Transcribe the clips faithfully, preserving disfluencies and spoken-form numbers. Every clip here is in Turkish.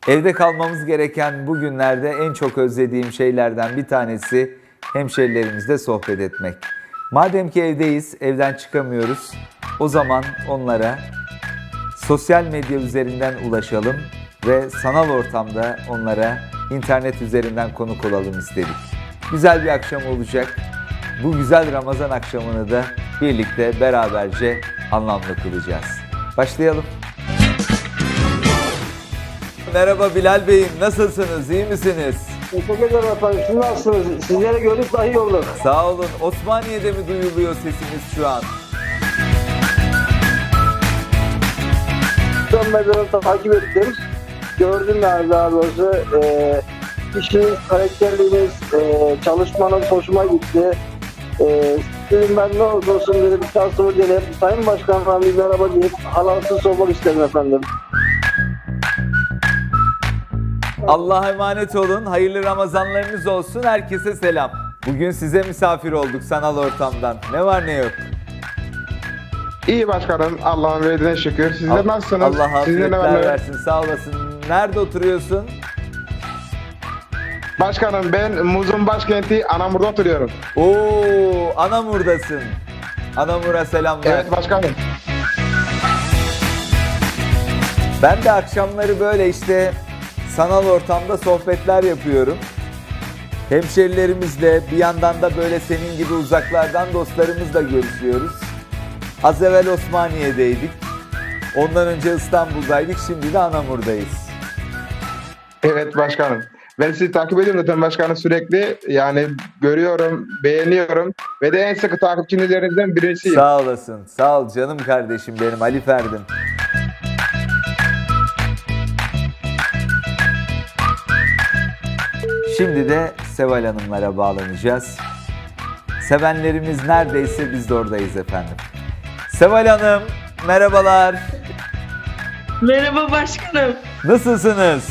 Evde kalmamız gereken bu günlerde en çok özlediğim şeylerden bir tanesi hemşerilerimizle sohbet etmek. Madem ki evdeyiz, evden çıkamıyoruz, o zaman onlara sosyal medya üzerinden ulaşalım ve sanal ortamda onlara internet üzerinden konuk olalım istedik. Güzel bir akşam olacak. Bu güzel Ramazan akşamını da birlikte beraberce anlamlı kılacağız. Başlayalım. Merhaba Bilal Bey'im, nasılsınız, iyi misiniz? Teşekkür ederim efendim. Siz nasılsınız? Sizleri gördük daha iyi olduk. Sağ olun. Osmaniye'de mi duyuluyor sesimiz şu an? Son medyada takip ettim. Gördüm yani daha doğrusu. Ee, işiniz, karakterliğiniz, e, çalışmanız hoşuma gitti. Ee, dedim ben ne olursa olsun dedim şansımı deneyip Sayın Başkan'la bir merhaba deyip halasız sormak istedim efendim. Allah'a emanet olun. Hayırlı Ramazanlarınız olsun. Herkese selam. Bugün size misafir olduk sanal ortamdan. Ne var ne yok? İyi başkanım. Allah'ın verdiğine şükür. Sizler nasılsınız? Allah Sizler ne var ne afiyetler yok? versin. Sağ olasın. Nerede oturuyorsun? Başkanım ben Muz'un başkenti Anamur'da oturuyorum. Oo, Anamur'dasın. Anamur'a selamlar. Evet başkanım. Ben de akşamları böyle işte sanal ortamda sohbetler yapıyorum. Hemşerilerimizle bir yandan da böyle senin gibi uzaklardan dostlarımızla görüşüyoruz. Az evvel Osmaniye'deydik. Ondan önce İstanbul'daydık. Şimdi de Anamur'dayız. Evet başkanım. Ben sizi takip ediyorum zaten başkanım sürekli. Yani görüyorum, beğeniyorum. Ve de en sıkı takipçilerinizden birisiyim. Sağ olasın. Sağ ol canım kardeşim benim Ali Ferdim. Şimdi de Seval Hanımlara bağlanacağız. Sevenlerimiz neredeyse biz de oradayız efendim. Seval Hanım, merhabalar. Merhaba başkanım. Nasılsınız?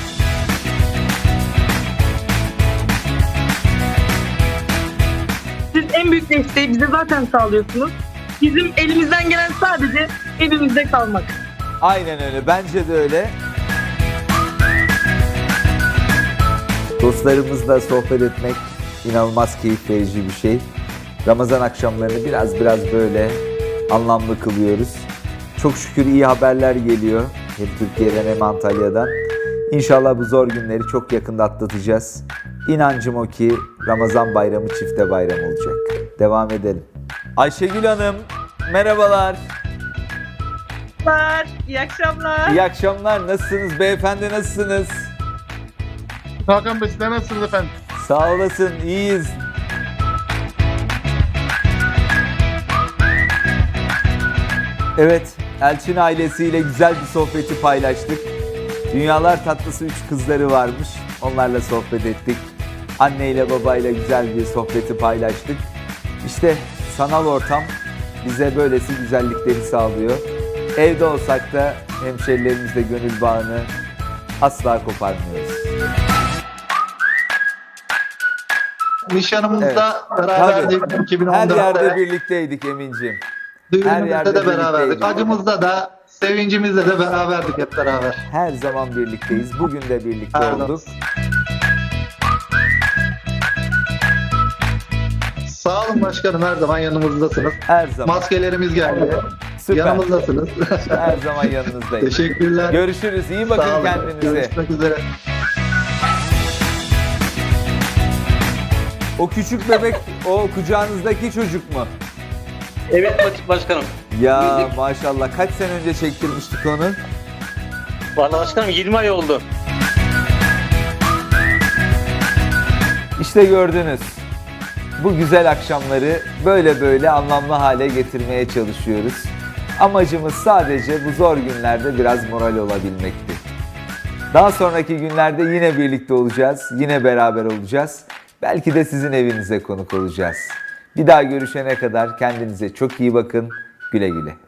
Siz en büyük desteği bize zaten sağlıyorsunuz. Bizim elimizden gelen sadece evimizde kalmak. Aynen öyle, bence de öyle. Dostlarımızla sohbet etmek inanılmaz keyif verici bir şey. Ramazan akşamlarını biraz biraz böyle anlamlı kılıyoruz. Çok şükür iyi haberler geliyor. Hem Türkiye'den hem Antalya'dan. İnşallah bu zor günleri çok yakında atlatacağız. İnancım o ki Ramazan bayramı çifte bayram olacak. Devam edelim. Ayşegül Hanım, merhabalar. Merhabalar, iyi akşamlar. İyi akşamlar. Nasılsınız beyefendi, nasılsınız? Hakan Bey sizler nasılsınız efendim? Sağ olasın, iyiyiz. Evet, Elçin ailesiyle güzel bir sohbeti paylaştık. Dünyalar tatlısı üç kızları varmış. Onlarla sohbet ettik. Anneyle babayla güzel bir sohbeti paylaştık. İşte sanal ortam bize böylesi güzellikleri sağlıyor. Evde olsak da hemşerilerimizle gönül bağını asla koparmıyoruz. Nişanımızda Evet. beraberdik Tabii. iki bin on Her yerde dörtte. birlikteydik Emin'ciğim. her Düğünümüzde yerde de beraberdik. birlikteydik. Acımızda da, sevincimizde de beraberdik hep beraber. Her zaman birlikteyiz. Bugün de birlikte Her olduk. Sağ olun başkanım, her zaman yanımızdasınız. Her zaman. Maskelerimiz geldi. Süper. Yanımızdasınız. Her zaman yanınızdayım. Teşekkürler. Görüşürüz. İyi bakın Sağ olun. kendinize. Görüşmek üzere. O küçük bebek, o kucağınızdaki çocuk mu? Evet baş- başkanım. Ya maşallah. Kaç sene önce çektirmiştik onu? Vallahi başkanım yirmi ay oldu. İşte gördünüz. Bu güzel akşamları böyle böyle anlamlı hale getirmeye çalışıyoruz. Amacımız sadece bu zor günlerde biraz moral olabilmekti. Daha sonraki günlerde yine birlikte olacağız, yine beraber olacağız. Belki de sizin evinize konuk olacağız. Bir daha görüşene kadar kendinize çok iyi bakın, güle güle.